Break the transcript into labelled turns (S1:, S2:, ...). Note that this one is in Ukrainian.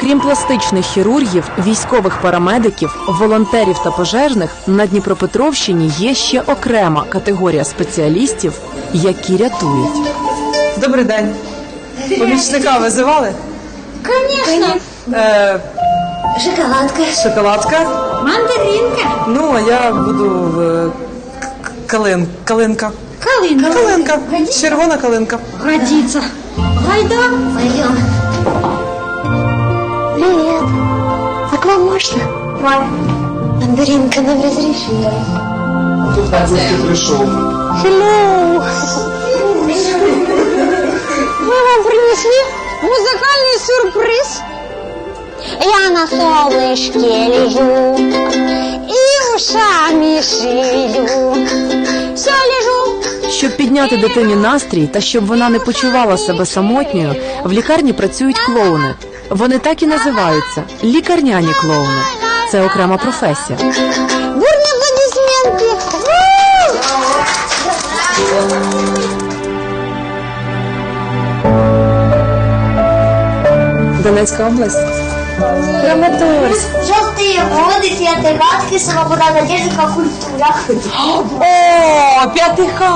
S1: Крім пластичних хірургів, військових парамедиків, волонтерів та пожежних, на Дніпропетровщині є ще окрема категорія спеціалістів, які рятують.
S2: Добрий день. Помічника визивали?
S3: Конечно. Шоколадка.
S2: Шоколадка.
S3: Мандаринка.
S2: Ну, а я буду калинка.
S3: Калинка.
S2: Калинка.
S3: Годится?
S2: Червона калинка.
S3: Годится. Гайда. Пойдем. Привет. А к вам можно? Мандаринка нам разрешила.
S4: Тут на гости пришел.
S3: Hello. Мы вам принесли музыкальный сюрприз. Я на солнышке лежу и ушами шевелю. Все лежу.
S1: Щоб підняти дитині настрій та щоб вона не почувала себе самотньою, в лікарні працюють клоуни. Вони так і називаються – лікарняні клоуни. Це окрема професія.
S3: Бурні аплодисменти.
S1: Донецька область. Краматорськ.
S5: Желтые воды, фиатегатки, свобода, надежда, культура.
S2: О, 5 Х.